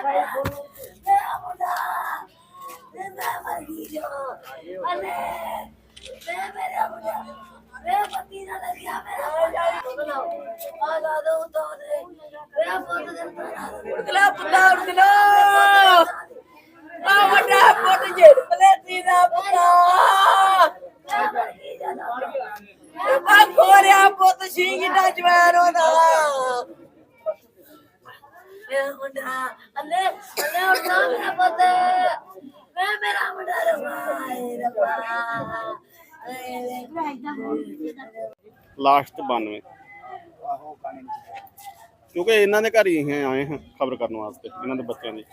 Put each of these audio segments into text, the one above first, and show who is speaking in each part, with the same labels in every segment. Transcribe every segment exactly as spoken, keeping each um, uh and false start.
Speaker 1: Last ਬਾਨਵੇਂ ਕਿਉਂਕਿ ਇਹਨਾਂ ਦੇ ਘਰ ਹੀ ਆਏ ਹਾਂ ਖਬਰ ਕਰਨ ਵਾਸਤੇ ਇਹਨਾਂ ਦੇ ਬੱਚਿਆਂ ਦੀ।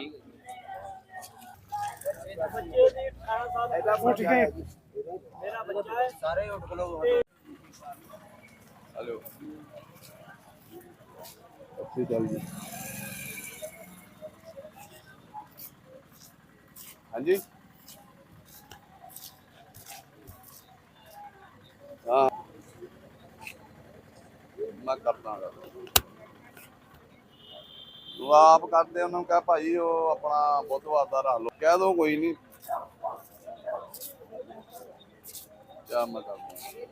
Speaker 1: हेलो हाँ जी हाँ मैं करता तू आप करते उन्होंने कहा भाई वो अपना बुधवार का रख लो कह दो कोई नहीं क्या मैं करता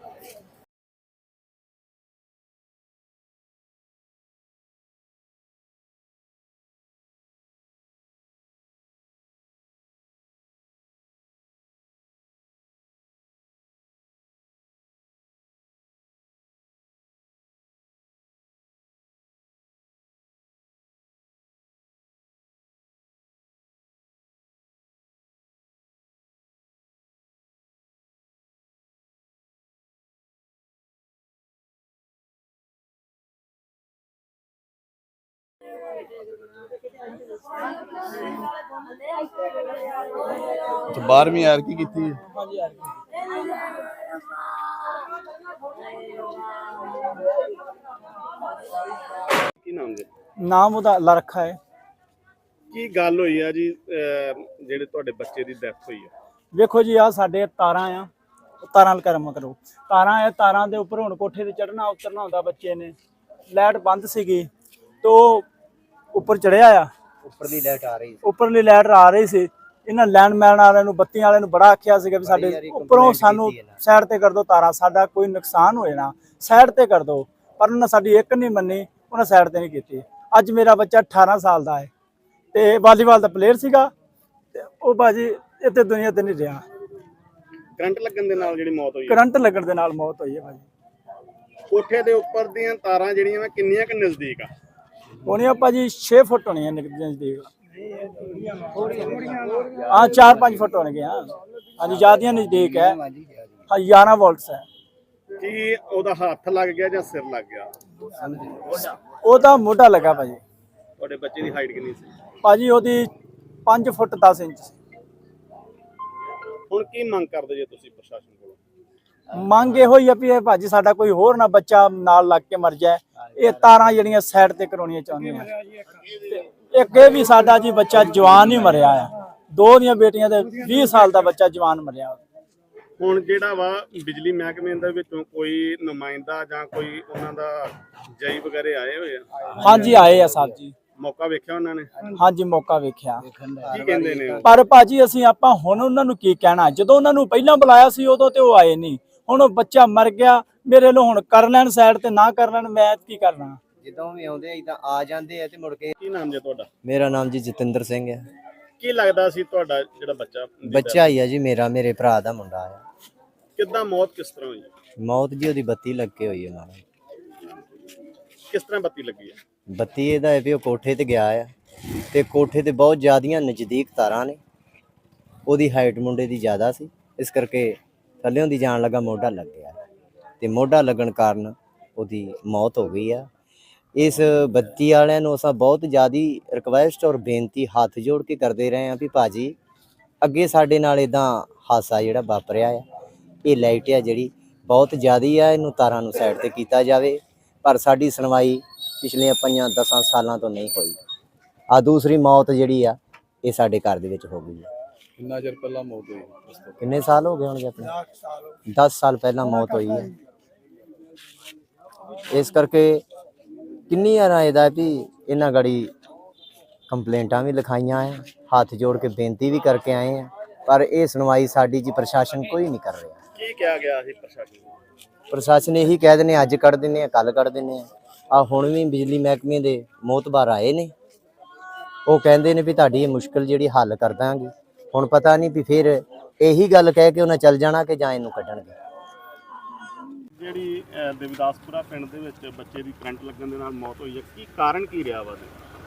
Speaker 1: तो बारहवीं यार की की नाम जी
Speaker 2: नाम ਉਹਦਾ ਅੱਲਾ ਰੱਖਾ ਹੈ।
Speaker 1: ਕੀ ਗੱਲ ਹੋਈ ਆ ਜੀ ਜਿਹੜੇ ਤੁਹਾਡੇ ਬੱਚੇ ਦੀ ਡੈਥ ਹੋਈ ਆ?
Speaker 2: ਵੇਖੋ ਜੀ ਆ ਸਾਡੇ ਤਾਰਾਂ ਆ ਤਾਰਾਂ ਨਾਲ ਕਰਮ ਕਰੋ ਤਾਰਾਂ ਆ ਤਾਰਾਂ ਦੇ ਉੱਪਰ ਹੁਣ ਕੋਠੇ ਤੇ ਚੜਨਾ ਉਤਰਨਾ ਹੁੰਦਾ ਬੱਚੇ ਨੇ ਲਾਈਟ ਬੰਦ ਸੀਗੀ तो ਉੱਪਰ ਚੜਿਆ ਆ
Speaker 3: ਉੱਪਰਲੀ ਲਾਈਟ ਆ ਰਹੀ ਸੀ
Speaker 2: ਉੱਪਰਲੀ ਲਾਈਟ ਆ ਰਹੀ ਸੀ ਇਹਨਾਂ ਲੈਂਡਮੈਨ ਵਾਲਿਆਂ ਨੂੰ ਬੱਤੀ ਵਾਲਿਆਂ ਨੂੰ ਬੜਾ ਆਖਿਆ ਸੀਗਾ ਵੀ ਸਾਡੇ ਉੱਪਰੋਂ ਸਾਨੂੰ ਸਾਈਡ ਤੇ ਕਰ ਦਿਓ ਤਾਰਾਂ ਸਾਡਾ ਕੋਈ ਨੁਕਸਾਨ ਹੋਏ ਨਾ ਸਾਈਡ ਤੇ ਕਰ ਦਿਓ ਪਰ ਉਹਨਾਂ ਸਾਡੀ ਇੱਕ ਨਹੀਂ ਮੰਨੀ ਉਹਨਾਂ ਸਾਈਡ ਤੇ ਨਹੀਂ ਕੀਤੀ। ਅੱਜ ਮੇਰਾ ਬੱਚਾ ਅਠਾਰਾਂ ਸਾਲ ਦਾ ਹੈ ਤੇ ਵਾਲੀਬਾਲ ਦਾ ਪਲੇਅਰ ਸੀਗਾ ਤੇ ਉਹ ਬਾਜੀ ਇੱਥੇ ਦੁਨੀਆ ਤੇ ਨਹੀਂ ਰਿਹਾ।
Speaker 1: ਕਰੰਟ ਲੱਗਣ ਦੇ ਨਾਲ ਜਿਹੜੀ ਮੌਤ ਹੋਈ
Speaker 2: ਕਰੰਟ ਲੱਗਣ ਦੇ ਨਾਲ ਮੌਤ ਹੋਈ ਹੈ ਭਾਜੀ।
Speaker 1: ਕੋਠੇ ਦੇ ਉੱਪਰ ਦੀਆਂ ਤਾਰਾਂ ਜਿਹੜੀਆਂ ਵਾ ਕਿੰਨੀਆਂ ਕਿ ਨਜ਼ਦੀਕ ਆ?
Speaker 2: ਹੋਣੀਆਂ ਭਾਜੀ ਛੇ ਫੁੱਟ ਹੋਣੀਆਂ ਨਜ਼ਦੀਕ ਹਾਂ ਚਾਰ ਪੰਜ ਫੁੱਟ ਹੋਣਗੀਆਂ ਹਾਂਜੀ ਜ਼ਿਆਦੀਆਂ ਨਜ਼ਦੀਕ ਹੈ ਹਾਂ ਗਿਆਰਾਂ ਵੋਲਟਸ ਹੈ।
Speaker 1: ਕੀ ਉਹਦਾ ਹੱਥ ਲੱਗ ਗਿਆ ਜਾਂ ਸਿਰ ਲੱਗ ਗਿਆ?
Speaker 2: ਉਹਦਾ ਮੋਢਾ ਲੱਗਾ ਭਾਜੀ।
Speaker 1: ਤੁਹਾਡੇ ਬੱਚੇ ਦੀ ਹਾਈਟ ਕਿੰਨੀ ਸੀ?
Speaker 2: ਭਾਜੀ ਉਹਦੀ ਪੰਜ ਫੁੱਟ ਦਸ ਇੰਚ ਸੀ।
Speaker 1: ਹੁਣ ਕੀ ਮੰਗ ਕਰਦੇ ਜੇ ਤੁਸੀਂ ਪ੍ਰਸ਼ਾਸਨ ਕੋਲੋਂ?
Speaker 2: ਮੰਗ ਇਹੋ ਹੀ ਆ ਵੀ ਇਹ ਭਾਜੀ ਸਾਡਾ ਕੋਈ ਹੋਰ ਨਾ ਬੱਚਾ ਨਾਲ ਲੱਗ ਕੇ ਮਰ ਜਾਏ। ਇਹ ਤਾਰਾਂ ਜਿਹੜੀਆਂ ਸਾਈਡ ਤੇ ਕਰਾਉਣੀਆਂ ਚਾਹੁੰਦੀਆਂ ਇੱਕ ਇਹ ਵੀ ਸਾਡਾ ਜੀ ਬੱਚਾ ਜਵਾਨ ਹੀ ਮਰਿਆ ਆ ਦੋ ਦੀਆਂ ਬੇਟੀਆਂ ਦੇ ਵੀਹ ਸਾਲ ਦਾ ਬੱਚਾ ਜਵਾਨ ਮਰਿਆ।
Speaker 1: ਹੁਣ ਜਿਹੜਾ ਵਾ ਬਿਜਲੀ ਮਹਿਕਮੇ ਦੇ ਵਿੱਚੋਂ ਕੋਈ ਨੁਮਾਇੰਦਾ ਜਾਂ ਕੋਈ ਉਹਨਾਂ ਦਾ ਜਈ ਵਗੈਰੇ ਆਏ ਹੋਏ ਆ?
Speaker 2: ਹਾਂਜੀ ਆਏ ਆ ਸਾਹਿਬ ਜੀ।
Speaker 1: ਮੌਕਾ ਵੇਖਿਆ ਉਹਨਾਂ ਨੇ?
Speaker 2: ਹਾਂਜੀ ਮੌਕਾ ਵੇਖਿਆ।
Speaker 1: ਕੀ ਕਹਿੰਦੇ ਨੇ?
Speaker 2: ਪਰ ਭਾਜੀ ਅਸੀਂ ਆਪਾਂ ਹੁਣ ਉਹਨਾਂ ਨੂੰ ਕੀ ਕਹਿਣਾ ਜਦੋਂ ਉਹਨਾਂ ਨੂੰ ਪਹਿਲਾਂ ਬੁਲਾਇਆ ਸੀ ਉਦੋਂ ਤੇ ਉਹ ਆਏ ਨਹੀਂ। ਹੁਣ ਉਹ ਬੱਚਾ ਮਰ ਗਿਆ ਮੇਰੇ ਲੋ ਹੁਣ ਕਰ ਲੈਣ ਸਾਈਡ ਤੇ ਨਾ ਕਰ ਲੈਣ ਮੈਂ ਕੀ ਕਰਨਾ।
Speaker 3: ਜਦੋਂ ਵੀ ਆਉਂਦੇ ਇਦਾਂ ਆ ਜਾਂਦੇ ਆ ਤੇ ਮੁੜ ਕੇ।
Speaker 1: ਕੀ ਨਾਮ ਜੀ ਤੁਹਾਡਾ?
Speaker 3: ਮੇਰਾ ਨਾਮ ਜੀ ਜਤਿੰਦਰ ਸਿੰਘ ਹੈ।
Speaker 1: ਕੀ ਲੱਗਦਾ ਸੀ ਤੁਹਾਡਾ ਜਿਹੜਾ ਬੱਚਾ?
Speaker 3: ਬੱਚਾ ਹੀ ਆ ਜੀ ਮੇਰਾ ਮੇਰੇ ਭਰਾ ਦਾ ਮੁੰਡਾ ਆ।
Speaker 1: ਕਿੱਦਾਂ ਮੌਤ ਕਿਸ ਤਰ੍ਹਾਂ ਹੋਈ?
Speaker 3: ਮੌਤ ਜੀ ਉਹਦੀ ਬੱਤੀ ਲੱਗੇ ਹੋਈ ਹੈ ਨਾਲ।
Speaker 1: ਕਿਸ ਤਰ੍ਹਾਂ ਬੱਤੀ ਲੱਗੀ ਹੈ?
Speaker 3: ਬੱਤੀ ਇਹਦਾ ਹੈ ਵੀ ਉਹ ਕੋਠੇ ਤੇ ਗਿਆ ਆ ਤੇ ਕੋਠੇ ਤੇ ਬਹੁਤ ਜ਼ਿਆਦੀਆਂ ਨਜ਼ਦੀਕ ਤਾਰਾਂ ਨੇ। ਉਹਦੀ ਹਾਈਟ ਮੁੰਡੇ ਦੀ ਜ਼ਿਆਦਾ ਸੀ ਇਸ ਕਰਕੇ ਥੱਲਿਓਂ ਦੀ ਜਾਣ ਲੱਗਾ ਮੋਢਾ ਲੱਗ ਗਿਆ ਤੇ ਮੋਢਾ ਲੱਗਣ ਕਾਰਨ ਉਹਦੀ ਮੌਤ ਹੋ ਗਈ ਆ। ਇਸ ਬੱਤੀ ਵਾਲਿਆਂ ਨੂੰ ਅਸਾਂ ਬਹੁਤ ਜ਼ਿਆਦੀ ਰਿਕਵੈਸਟ ਔਰ ਬੇਨਤੀ ਹੱਥ ਜੋੜ ਕੇ ਕਰਦੇ ਰਹੇ ਹਾਂ ਵੀ ਭਾਜੀ ਅੱਗੇ ਸਾਡੇ ਨਾਲ ਇਦਾਂ ਹਾਦਸਾ ਜਿਹੜਾ ਵਾਪਰਿਆ ਆ ਇਹ ਲਾਈਟ ਆ ਜਿਹੜੀ ਬਹੁਤ ਜ਼ਿਆਦੀ ਆ ਇਹਨੂੰ ਤਾਰਾਂ ਨੂੰ ਸਾਈਡ ਤੇ ਕੀਤਾ ਜਾਵੇ ਪਰ ਸਾਡੀ ਸੁਣਵਾਈ ਪਿਛਲੇ ਪੰਜਾਂ ਦਸਾਂ ਸਾਲਾਂ ਤੋਂ ਨਹੀਂ ਹੋਈ। ਆ ਦੂਸਰੀ ਮੌਤ ਜਿਹੜੀ ਆ ਇਹ ਸਾਡੇ ਘਰ ਦੇ ਵਿੱਚ ਹੋ ਗਈ ਹੈ।
Speaker 1: ਕਿੰਨਾ ਚਿਰ ਪਹਿਲਾਂ ਮੌਤ ਹੋਈ?
Speaker 3: ਕਿੰਨੇ ਸਾਲ ਹੋ ਗਏ ਹੋਣਗੇ ਆਪਣੇ? ਦਸ ਸਾਲ ਪਹਿਲਾਂ ਮੌਤ ਹੋਈ ਹੈ। ਇਸ ਕਰਕੇ ਕਿੰਨੀ ਵਾਰ ਇਹਦਾ ਵੀ ਇਹਨਾਂ ਗੜੀ ਕੰਪਲੇਂਟਾਂ ਵੀ ਲਿਖਾਈਆਂ ਆ, ਹੱਥ ਜੋੜ ਕੇ ਬੇਨਤੀ ਵੀ ਕਰਕੇ ਆਏ ਆ, ਪਰ ਇਹ ਸੁਣਵਾਈ ਸਾਡੀ ਜੀ ਪ੍ਰਸ਼ਾਸਨ ਕੋਈ ਨਹੀਂ ਕਰ ਰਿਹਾ।
Speaker 1: ਕੀ ਕਿਹਾ ਗਿਆ ਸੀ ਪ੍ਰਸ਼ਾਸਨ ਨੂੰ?
Speaker 3: ਪ੍ਰਸ਼ਾਸਨ ਇਹੀ ਕਹਿ ਦਿੰਦੇ ਅੱਜ ਕੱਢ ਦਿੰਦੇ ਆ, ਕੱਲ ਕੱਢ ਦਿੰਦੇ ਆ। ਆ ਹੁਣ ਵੀ ਬਿਜਲੀ ਮਹਿਕਮੇ ਦੇ ਮੋਹਤਬਾਰ ਆਏ ਨੇ, ਉਹ ਕਹਿੰਦੇ ਨੇ ਵੀ ਤੁਹਾਡੀ ਇਹ ਮੁਸ਼ਕਲ ਜਿਹੜੀ ਹੱਲ ਕਰ ਦਾਂਗੇ। ਹੁਣ ਪਤਾ ਨਹੀਂ ਵੀ ਫਿਰ ਇਹੀ ਗੱਲ ਕਹਿ ਕੇ ਉਹਨਾਂ ਚੱਲ ਜਾਣਾ ਕਿ ਜਾਂ ਇਹਨੂੰ ਕੱਢਣਗੇ।
Speaker 1: ਜਿਹੜੀ ਅਹ, ਦੇਵਦਾਸਪੁਰਾ ਪਿੰਡ ਦੇ ਵਿੱਚ ਬੱਚੇ ਦੀ ਕਰੰਟ ਲੱਗਣ ਦੇ ਨਾਲ ਮੌਤ ਹੋਈ ਹੈ, ਕੀ ਕਾਰਨ ਕੀ ਰਿਹਾ ਵਾ?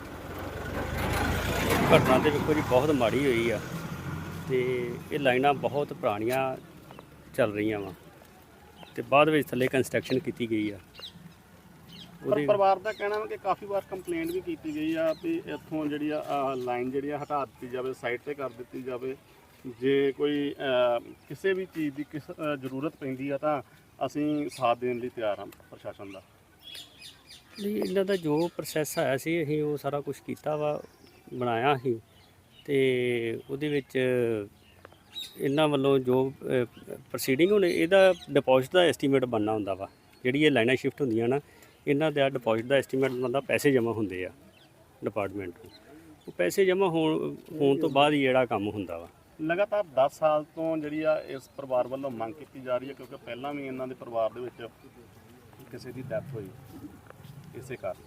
Speaker 4: ਘਟਨਾ ਤੇ ਵੇਖੋ ਜੀ ਬਹੁਤ ਮਾੜੀ ਹੋਈ ਆ ਤੇ ਇਹ ਲਾਈਨਾਂ ਬਹੁਤ ਪੁਰਾਣੀਆਂ ਚੱਲ ਰਹੀਆਂ ਵਾ ਤੇ ਬਾਅਦ ਵਿੱਚ ਥੱਲੇ ਕੰਸਟਰਕਸ਼ਨ ਕੀਤੀ ਗਈ ਆ।
Speaker 1: ਪਰ ਪਰਿਵਾਰ ਦਾ ਕਹਿਣਾ ਵਾ ਕਿ ਕਾਫੀ ਵਾਰ ਕੰਪਲੇਂਟ ਵੀ ਕੀਤੀ ਗਈ ਆ ਵੀ ਇੱਥੋਂ ਜਿਹੜੀ ਆ ਲਾਈਨ ਜਿਹੜੀ ਆ ਹਟਾ ਦਿੱਤੀ ਜਾਵੇ, ਸਾਈਡ ਤੇ ਕਰ ਦਿੱਤੀ ਜਾਵੇ। ਜੇ ਕੋਈ ਅਹ, ਕਿਸੇ ਵੀ ਚੀਜ਼ ਦੀ ਕਿਸ ਅਹ, ਜ਼ਰੂਰਤ ਪੈਂਦੀ ਆ ਤਾਂ ਅਸੀਂ ਸਾਥ ਦੇਣ ਲਈ ਤਿਆਰ ਹਾਂ ਪ੍ਰਸ਼ਾਸਨ ਦਾ।
Speaker 4: ਨਹੀਂ, ਇਹਨਾਂ ਦਾ ਜੋ ਪ੍ਰੋਸੈਸ ਆਇਆ ਸੀ ਅਸੀਂ ਉਹ ਸਾਰਾ ਕੁਝ ਕੀਤਾ ਵਾ, ਬਣਾਇਆ ਸੀ ਤੇ ਉਹਦੇ ਵਿੱਚ ਇਹਨਾਂ ਵੱਲੋਂ ਜੋ ਪ੍ਰੋਸੀਡਿੰਗ ਹੁਣ ਇਹਦਾ ਡਿਪੋਜ਼ਿਟ ਦਾ ਐਸਟੀਮੇਟ ਬਣਨਾ ਹੁੰਦਾ ਵਾ। ਜਿਹੜੀ ਇਹ ਲਾਈਨਾਂ ਸ਼ਿਫਟ ਹੁੰਦੀਆਂ ਨਾ, ਇਹਨਾਂ ਦਾ ਡਿਪੋਜ਼ਿਟ ਦਾ ਐਸਟੀਮੇਟ ਬਣਦਾ, ਪੈਸੇ ਜਮ੍ਹਾਂ ਹੁੰਦੇ ਆ ਡਿਪਾਰਟਮੈਂਟ ਨੂੰ। ਉਹ ਪੈਸੇ ਜਮ੍ਹਾਂ ਹੋਣ ਹੋਣ ਤੋਂ ਬਾਅਦ ਹੀ ਜਿਹੜਾ ਕੰਮ ਹੁੰਦਾ ਵਾ।
Speaker 1: ਲਗਾਤਾਰ ਦਸ ਸਾਲ ਤੋਂ ਜਿਹੜੀ ਆ ਇਸ ਪਰਿਵਾਰ ਵੱਲੋਂ ਮੰਗ ਕੀਤੀ ਜਾ ਰਹੀ ਹੈ, ਕਿਉਂਕਿ ਪਹਿਲਾਂ ਵੀ ਇਹਨਾਂ ਦੇ ਪਰਿਵਾਰ ਦੇ ਵਿੱਚ ਕਿਸੇ ਦੀ ਡੈਥ ਹੋਈ ਇਸੇ ਕਾਰਨ।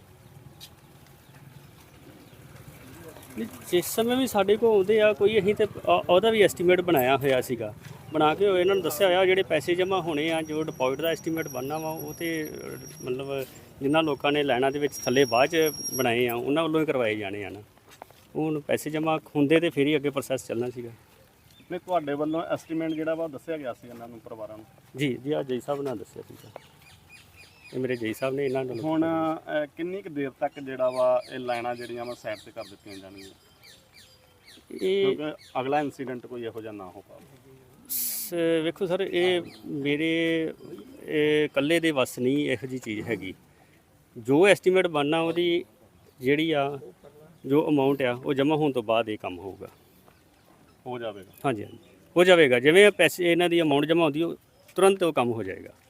Speaker 4: ਨਹੀਂ, ਜਿਸ ਸਮੇਂ ਵੀ ਸਾਡੇ ਕੋਲ ਆਉਂਦੇ ਆ ਕੋਈ, ਅਸੀਂ ਤੇ ਅ- ਉਹਦਾ ਵੀ ਐਸਟੀਮੇਟ ਬਣਾਇਆ ਹੋਇਆ ਸੀਗਾ, ਬਣਾ ਕੇ ਇਹਨਾਂ ਨੂੰ ਦੱਸਿਆ ਹੋਇਆ ਜਿਹੜੇ ਪੈਸੇ ਜਮ੍ਹਾਂ ਹੋਣੇ ਆ, ਜੋ ਡਿਪੋਜ਼ਿਟ ਦਾ ਐਸਟੀਮੇਟ ਬਣਨਾ ਵਾ, ਉਹ ਤੇ ਅ, ਮਤਲਬ ਜਿਨ੍ਹਾਂ ਲੋਕਾਂ ਨੇ ਲਾਈਨਾਂ ਦੇ ਵਿੱਚ ਥੱਲੇ ਬਾਅਦ 'ਚ ਬਣਾਏ ਆ ਉਹਨਾਂ ਵੱਲੋਂ ਹੀ ਕਰਵਾਏ ਜਾਣੇ ਆ ਨਾ। ਹੁਣ ਪੈਸੇ ਜਮ੍ਹਾਂ ਹੁੰਦੇ ਤੇ ਫਿਰ ਹੀ ਅੱਗੇ ਪ੍ਰੋਸੈਸ ਚੱਲਣਾ ਸੀਗਾ।
Speaker 1: ਨਹੀਂ, ਤੁਹਾਡੇ ਵੱਲੋਂ ਐਸਟੀਮੇਟ ਜਿਹੜਾ ਵਾ ਦੱਸਿਆ ਗਿਆ ਸੀ ਇਹਨਾਂ ਨੂੰ, ਪਰਿਵਾਰਾਂ ਨੂੰ?
Speaker 4: ਜੀ ਜੀ, ਆ ਜੈ ਸਾਹਿਬ ਨੇ ਦੱਸਿਆ ਸੀਗਾ, ਇਹ ਮੇਰੇ ਜੈ ਸਾਹਿਬ ਨੇ ਇਹਨਾਂ ਨੂੰ।
Speaker 1: ਹੁਣ ਅਹ, ਕਿੰਨੀ ਕੁ ਦੇਰ ਤੱਕ ਜਿਹੜਾ ਵਾ ਇਹ ਲਾਈਨਾਂ ਜਿਹੜੀਆਂ ਵਾ ਸਾਈਡ ਤੇ ਕਰ ਦਿੱਤੀਆਂ ਜਾਣਗੀਆਂ,
Speaker 4: ਇਹ
Speaker 1: ਕਿਉਂਕਿ ਅਗਲਾ ਇਨਸੀਡੈਂਟ ਕੋਈ ਇਹੋ ਜਿਹਾ ਨਾ ਹੋ ਪਾਵੇ?
Speaker 4: ਸ- ਵੇਖੋ ਸਰ, ਇਹ ਮੇਰੇ ਇਹ ਇਕੱਲੇ ਦੇ ਵੱਸ ਨਹੀਂ ਇਹੋ ਜਿਹੀ ਚੀਜ਼ ਹੈਗੀ। ਜੋ ਐਸਟੀਮੇਟ ਬਣਨਾ ਉਹਦੀ ਜਿਹੜੀ ਆ ਜੋ ਅਮਾਉਂਟ ਆ ਉਹ ਜਮ੍ਹਾਂ ਹੋਣ ਤੋਂ ਬਾਅਦ ਇਹ ਕੰਮ ਹੋਊਗਾ।
Speaker 1: ਹੋ ਜਾਵੇਗਾ?
Speaker 4: ਹਾਂਜੀ ਹਾਂਜੀ, ਹੋ ਜਾਵੇਗਾ। ਜਿਵੇਂ ਪੈਸੇ ਇਹਨਾਂ ਦੀ ਅਮਾਉਂਟ ਜਮ੍ਹਾਂ ਹੁੰਦੀ ਉਹ ਤੁਰੰਤ ਉਹ ਕੰਮ ਹੋ ਜਾਏਗਾ।